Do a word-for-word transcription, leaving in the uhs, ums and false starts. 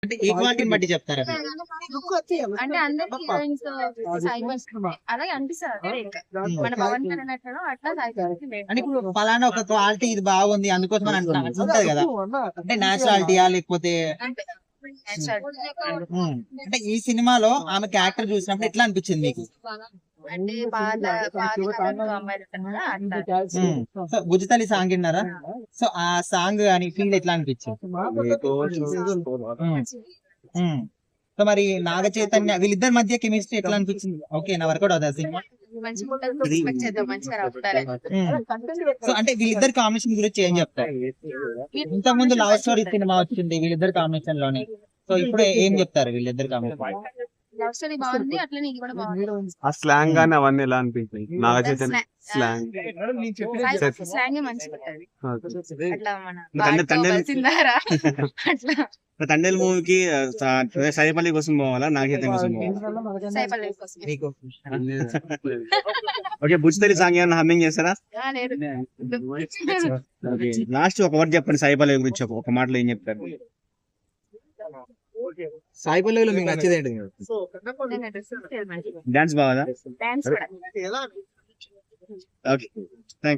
అంటే ఏ క్వాలిటీని బట్టి చెప్తారా? అంటే అందరు హీరోయిన్స్ సైబర్స్ అలాగే అనిపిస్తారు. మన పవన్ కళ్యాణ్ ఎట్లనో అట్లా అంటే ఇప్పుడు ఫలానా ఒక క్వాలిటీ ఇది బాగుంది అందుకోసం అని అంటున్నా ఉంటది కదా, అంటే నేచురాలిటీయా లేకపోతే ఉమ్, అంటే ఈ సినిమాలో ఆమె క్యారెక్టర్ చూసినప్పుడు ఎట్లా అనిపించింది మీకు? అంటే పాత పాత కాలంలో అమ్మాయిలు ఉంటారు కదా అట్లా. ఉమ్, సో భుజతలి సాంగ్ విన్నారా? సో ఆ సాంగ్ అని ఫీల్ ఎట్లా అనిపించింది? ఉమ్, ఉమ్. సో మరి నాగ చైతన్య వీళ్ళిద్దరి మధ్య కెమిస్ట్రీ ఎట్లా అనిపించింది? ఓకే నా వర్కౌట్ అవుతుంది సినిమా. మంచిగా ఉంటుంది, ఎక్స్పెక్ట్ చేద్దాం మంచిగా రావుతారు. సో అంటే వీళ్ళిద్దరి కాంబినేషన్ గురించి ఏం చెప్తారు? ఇంతకు ముందు లవ్ స్టోరీ సినిమా వచ్చింది వీళ్ళిద్దరి కాంబినేషన్ లోనే, సో ఇప్పుడు ఏం చెప్తారు వీళ్ళిద్దరి కాంబినేషన్? లవ్ స్టోరీ బాగుంది, అట్లనే ఇది కూడా బాగుంది. ఆ స్లాంగ్ గానీ అవన్నీ ఎలా అనిపించాయి? నాగ చైతన్య స్లాంగ్ స్లాంగ్ మంచిగా ఉంటది. అట్లా మన తండ్రి తండ్రి సిందారా అట్లా తండ్రి మూవీకి సాయిపల్లి కోసం పోవాలా నాగ చైతన్య కోసం పోవాలా? సైపల్లి కోసం. మీకు ఓకే, బుజ్జితల్లి సాంగ్ ఏమన్నా హమ్మింగ్ చేస్తారా? ఆ, లేదు. లాస్ట్ ఒక వర్డ్ చెప్పండి సాయిపల్లి గురించి, ఒక- ఒక మాటలో ఏం చెప్తారు? సాయి పల్లవిలో మీకు నచ్చేది ఏంటి? నేను డ్రెస్ మంచిగా డాన్స్ బాగా? డాన్స్ కూడా ఓకే థ్యాంక్